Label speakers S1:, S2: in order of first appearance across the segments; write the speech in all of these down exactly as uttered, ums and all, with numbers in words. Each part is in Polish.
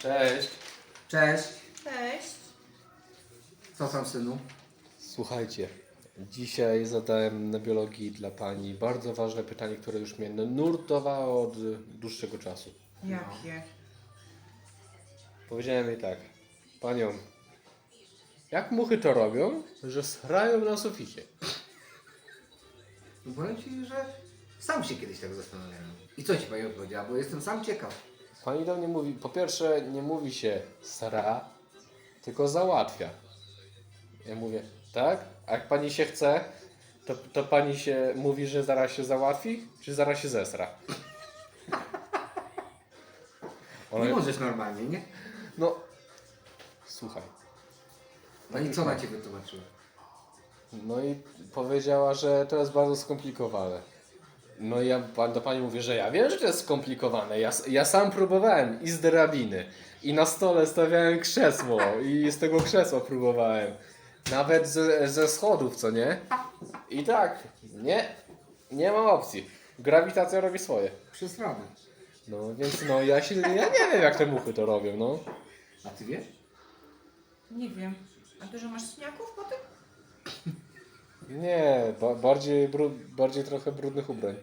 S1: Cześć.
S2: Cześć.
S3: Cześć.
S2: Co tam, synu?
S1: Słuchajcie, dzisiaj zadałem na biologii dla pani bardzo ważne pytanie, które już mnie nurtowało od dłuższego czasu.
S3: Jakie?
S1: Powiedziałem jej tak, panią, jak muchy to robią, że srają na suficie?
S2: No powiem ci, że sam się kiedyś tak zastanawiałem. I co ci pani odpowiedziała? Bo jestem sam ciekaw.
S1: Pani do mnie mówi, po pierwsze nie mówi się sra, tylko załatwia. Ja mówię, tak? A jak pani się chce, to, to pani się mówi, że zaraz się załatwi, czy zaraz się zesra? Ona-
S2: Nie możesz normalnie, nie?
S1: No, słuchaj.
S2: No i co na ciebie wytłumaczyła?
S1: No i powiedziała, że to jest bardzo skomplikowane. No i ja pan- do pani mówię, że ja wiem, że to jest skomplikowane. Ja, s- ja sam próbowałem i z drabiny, i na stole stawiałem krzesło, i z tego krzesła próbowałem. Nawet ze, ze schodów, co nie? I tak, nie, nie ma opcji. Grawitacja robi swoje.
S2: Przesrany.
S1: No więc no ja się, ja nie wiem jak te muchy to robią, no.
S2: A ty wiesz?
S3: Nie wiem. A dużo masz śniaków po tym?
S1: Nie, ba, bardziej, bru, bardziej trochę brudnych ubrań.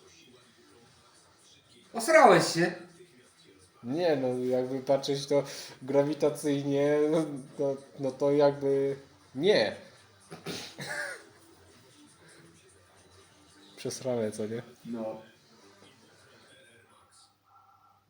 S2: Osrałeś się.
S1: Nie, no jakby patrzeć to grawitacyjnie, no, no, no to jakby nie. Przesrane, co nie?
S2: No.